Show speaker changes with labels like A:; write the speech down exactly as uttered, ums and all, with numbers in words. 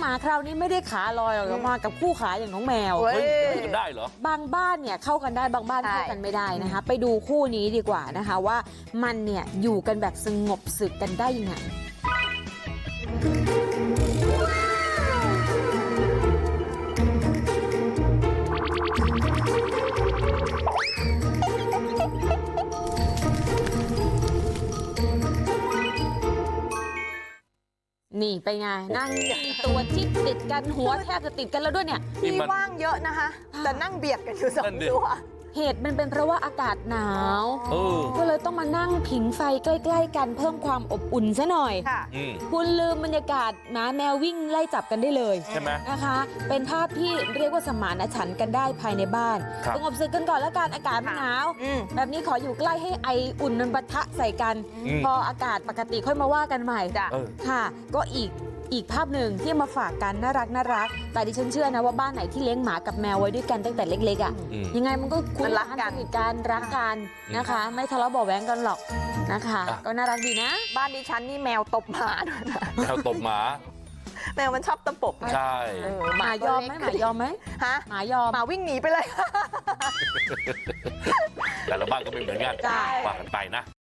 A: มาคราวนี้ไม่ได้ขาลอยออกมากับคู่ขาอย่างน้องแมว
B: เฮ้ยกันได้เหรอบ
A: างบ้านเนี่ยเข้ากันได้บางบ้านเข้ากันไม่ได้นะคะไปดูคู่นี้ดีกว่านะคะว่ามันเนี่ยอยู่กันแบบสงบศึกกันได้ยังไงนี่ไปไงนั่งตัวที่ติดกันหัวแทบจะติดกันแล้วด้วยเนี่ย
C: ที่ว่างเยอะนะคะแต่นั่งเบียดกันอยู่สองตัว
A: เหตุมันเป็นเพราะว่าอากาศหนาวก็เลยต้องมานั่งผิงไฟใกล้ๆกันเพิ่มความอบอุ่นซะหน่อยคุณลืมบรรยากาศหมาแมววิ่งไล่จับกันได้เลย
B: ใช่ไหม
A: นะคะเป็นภาพที่เรียกว่าสมานฉันท์กันได้ภายในบ้านสงบศึกกันก่อนแล้วกันอากาศหนาวแบบนี้ขออยู่ใกล้ให้ไออุ่นมันปะทะใส่กันพออากาศปกติค่อยมาว่ากันใหม่ค่ะก็อีกอีกภาพหนึ่งที่มาฝากกันน่ารักน่ารักแต่ดิฉันเชื่อนะว่าบ้านไหนที่เลี้ยงหมากับแมวไว้ด้วยกันตั้งแต่เล็กๆอ่ะยังไงมันก็คุ้นรักกันกันรักกันนะคะไม่ทะเลาะเบาะแว้งกันหรอกนะคะก็น่ารักดีนะ
C: บ้านดิฉันนี่แมวตบหมาด้วยนะ
B: แมวตบหมา
C: แมวมันชอบตะปบ
B: ใช่
A: หมายอมไหมหมายอมไหม
C: ฮะ
A: หมายอม
C: หมาวิ่งหนีไปเลย
B: แต่ละบ้านก็ไม่เหมือนกันว่ากันไปนะ